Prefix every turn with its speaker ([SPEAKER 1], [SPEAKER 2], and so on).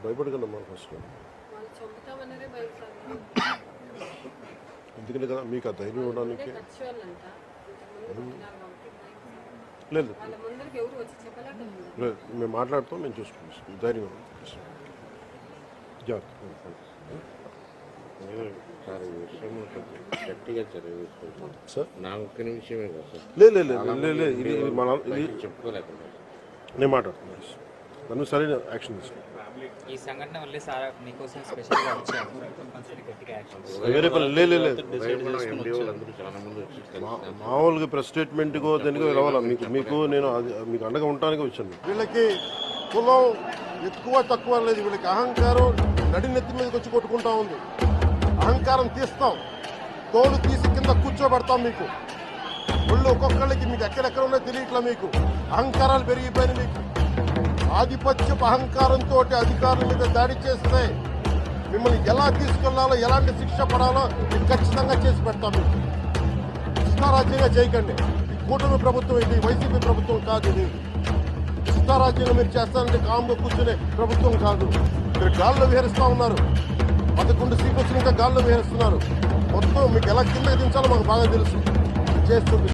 [SPEAKER 1] భయపడకండి అమ్మా ఫస్ట్. ఎందుకంటే కదా మీకు ఆ ధైర్యం ఇవ్వడానికి లేదు, మేము మాట్లాడుతాం, మేము చూసుకుంటాం. ధైర్యం సార్. లేదు, ఇది చెప్పుకోలేకుండా నేను మాట్లాడుతున్నాను. నన్ను సరైన యాక్షన్ తీసుకుంటాను.
[SPEAKER 2] ఈ సంఘటన వల్లే సార్ మీకోసం స్పెషల్గా వచ్చాము.
[SPEAKER 1] వేరే పని లేదు. మామూలుగా ప్రెస్ స్టేట్మెంట్కో దేనికో రావాలా మీకు నేను మీకు అండగా ఉండటానికి వచ్చాను.
[SPEAKER 3] వీళ్ళకి కులం ఎక్కువ తక్కువ లేదు, వీళ్ళకి అహంకారం నడినెత్తి మీదకి వచ్చి కొట్టుకుంటా ఉంది. అహంకారం తీస్తాం, తోలు తీసి కింద కూర్చోబెడతాం. మీకు ఒళ్ళు ఒక్కొక్కళ్ళకి మీకు ఎక్కడెక్కడ ఉన్నాయో తెలియట్లా. మీకు అహంకారాలు పెరిగిపోయినాయి. మీకు ఆధిపత్యపు అహంకారంతో అధికారుల మీద దాడి చేస్తే మిమ్మల్ని ఎలా తీసుకెళ్లాలో, ఎలాంటి శిక్ష పడాలో మీకు ఖచ్చితంగా చేసి పెడతాం. మీకు ఇష్టారాజ్యంగా చేయకండి. ఈ కూటమి ప్రభుత్వం, ఇది వైసీపీ ప్రభుత్వం కాదు. ఇది ఇష్టారాజ్యంగా మీరు చేస్తారంటే కామ్గా కూర్చునే ప్రభుత్వం కాదు. మీరు గాల్లో విహరిస్తూ ఉన్నారు. 11 సీట్లు వచ్చిన ఇంకా గాల్లో విహరిస్తున్నారు. మొత్తం మీకు ఎలా కిందకి దించాలో మాకు బాగా తెలుసు. చేస్తుంది.